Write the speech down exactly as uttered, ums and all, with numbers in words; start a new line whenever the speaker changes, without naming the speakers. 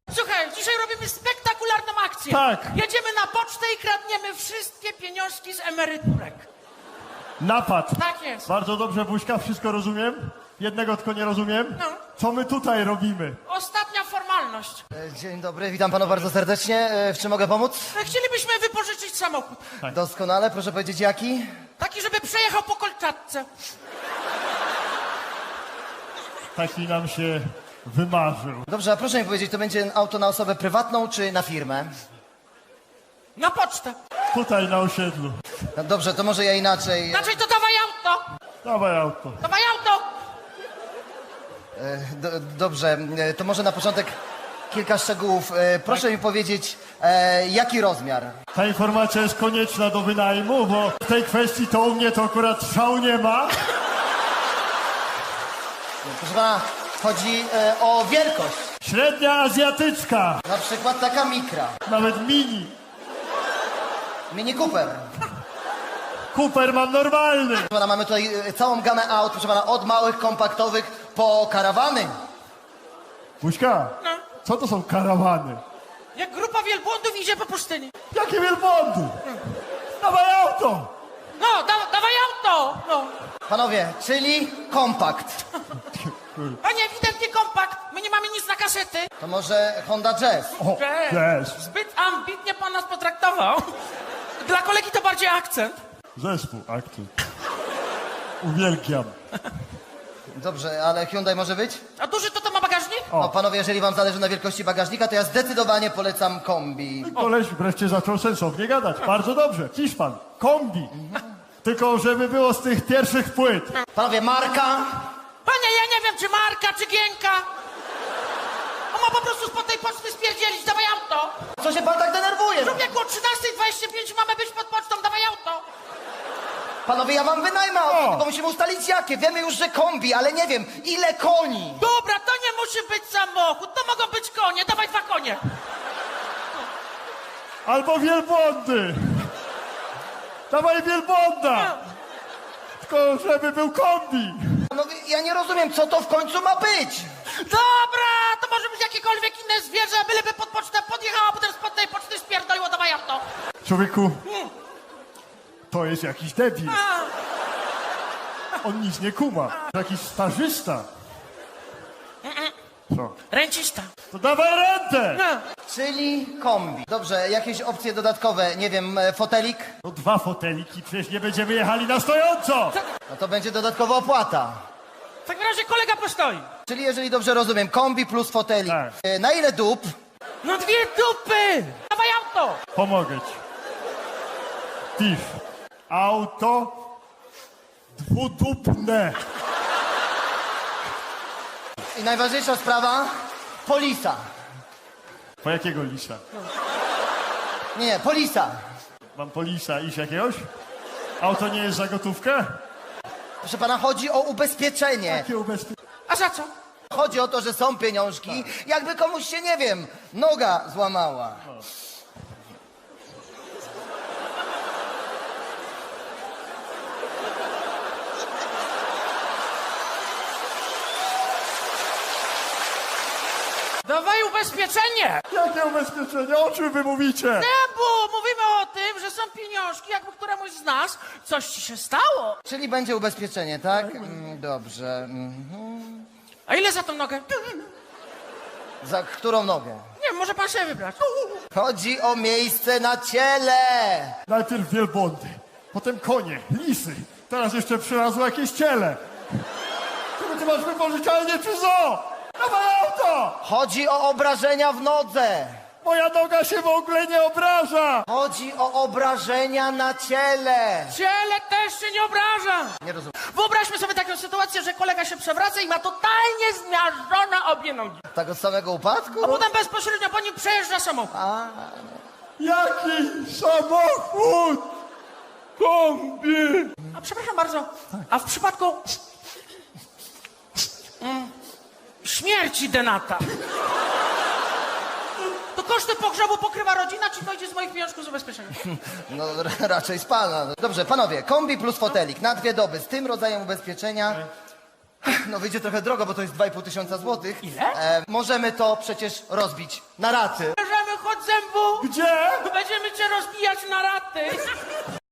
Słuchaj, dzisiaj robimy spektakularną akcję.
Tak.
Jedziemy na pocztę i kradniemy wszystkie pieniążki z emeryturek.
Napad.
Tak jest.
Bardzo dobrze, Buźka, wszystko rozumiem. Jednego tylko nie rozumiem.
No.
Co my tutaj robimy?
Ostatnia formalność.
E, Dzień dobry, witam panów bardzo serdecznie. E, W czym mogę pomóc?
Chcielibyśmy wypożyczyć samochód.
Doskonale, proszę powiedzieć jaki?
Taki, żeby przejechał po Kolczatce.
Taki nam się wymarzył.
Dobrze, a proszę mi powiedzieć, to będzie auto na osobę prywatną czy na firmę?
Na pocztę.
Tutaj na osiedlu.
No dobrze, to może ja inaczej.
Znaczy to dawaj auto.
Dawaj auto.
Dawaj auto.
E, Do, dobrze, e, to może na początek kilka szczegółów. E, Proszę mi powiedzieć, e, jaki rozmiar?
Ta informacja jest konieczna do wynajmu, bo w tej kwestii to u mnie to akurat szału nie ma.
Proszę pana, chodzi e, o wielkość.
Średnia azjatycka.
Na przykład taka mikra.
Nawet mini.
Mini Cooper.
Cooper mam normalny.
Proszę pana, mamy tutaj e, całą gamę aut, proszę pana, od małych, kompaktowych po karawany.
Buźka,
No.
co to są karawany?
Jak grupa wielbłądów idzie po pustyni.
Jakie wielbłądy? Dawaj auto.
No, da, dawaj auto. No.
Panowie, czyli kompakt.
Panie, ewidentnie kompakt. My nie mamy nic na kasety.
To może Honda Jazz.
O, jazz.
Zbyt ambitnie pan nas potraktował. Dla kolegi to bardziej akcent.
Zespół, akcent. Uwielbiam.
Dobrze, ale Hyundai może być?
A duży to to ma bagażnik?
No panowie, jeżeli wam zależy na wielkości bagażnika, to ja zdecydowanie polecam kombi.
Koleś wreszcie zaczął sensownie gadać. Bardzo dobrze. Hiszpan, kombi. Tylko żeby było z tych pierwszych płyt.
Panowie, marka?
Panie, ja nie wiem, czy Marka, czy Gienka. On ma po prostu spod tej poczty spierdzielić. Dawaj auto.
Co się pan tak denerwuje?
Człowieku, o trzynasta dwadzieścia pięć mamy być pod pocztą. Dawaj auto.
Panowie, ja wam wynajmę auto,
O.
tylko musimy ustalić jakie. Wiemy już, że kombi, ale nie wiem, ile koni.
Dobra, to nie musi być samochód. To mogą być konie. Dawaj dwa konie.
Albo wielbłądy. Dawaj wielbłąda. Tylko żeby był kombi.
Panowie, ja nie rozumiem, co to w końcu ma być.
Dobra, to może być jakiekolwiek inne zwierzę, byleby pod pocztę podjechało, a potem spod tej poczty spierdoliło. Dawaj auto.
Człowieku, to jest jakiś debil.
A,
On nic nie kuma. Jakiś stażysta. Co?
ręcista.
To dawaj rentę.
No.
Czyli kombi. Dobrze, jakieś opcje dodatkowe, nie wiem, e, fotelik?
No dwa foteliki, przecież nie będziemy jechali na stojąco.
No to będzie dodatkowa opłata.
W takim razie kolega postoi.
Czyli jeżeli dobrze rozumiem, kombi plus fotelik.
Tak.
E, Na ile dup?
No dwie dupy. Dawaj auto.
Pomogę ci. Tiff. Auto dwudupne.
I najważniejsza sprawa, polisa.
Po jakiego lisa?
Nie, nie, polisa.
Mam po lisa iść jakiegoś? Auto nie jest za gotówkę?
Proszę pana, chodzi o ubezpieczenie.
Jakie ubezpieczenie?
A za co?
Chodzi o to, że są pieniążki, jakby komuś się, nie wiem, noga złamała.
Dawaj ubezpieczenie.
Jakie ubezpieczenie? O czym wy mówicie?
Nie, bo mówimy o tym, że są pieniążki, jakby któremuś z nas coś ci się stało.
Czyli będzie ubezpieczenie, tak? Mm, Dobrze. Mhm.
A ile za tą nogę?
Za którą nogę?
Nie wiem, może pan sobie wybrać.
Chodzi o miejsce na ciele.
Najpierw wielbłądy, potem konie, lisy. Teraz jeszcze przylazło jakieś ciele. Czego ty masz wypożyczalnię czy zoo? Dawaj auto!
Chodzi o obrażenia w nodze.
Moja noga się w ogóle nie obraża!
Chodzi o obrażenia na ciele.
Ciele też się nie obraża.
Nie rozumiem.
Wyobraźmy sobie taką sytuację, że kolega się przewraca i ma totalnie zmiażdżone obie nogi.
Tak od samego upadku?
A potem bezpośrednio po nim przejeżdża samochód.
A,
Jaki samochód! Kombi!
A przepraszam bardzo, a w przypadku mm, śmierci Denata, to koszty pogrzebu pokrywa rodzina, czy to idzie z moich pieniążków z ubezpieczenia?
no r- raczej z pana. Dobrze, panowie, kombi plus fotelik na dwie doby z tym rodzajem ubezpieczenia No wyjdzie trochę drogo, bo to jest dwa i pół tysiąca złotych.
Ile?
E, możemy to przecież rozbić na raty.
Bierzemy chod zębu,
Gdzie?
będziemy cię rozbijać na raty.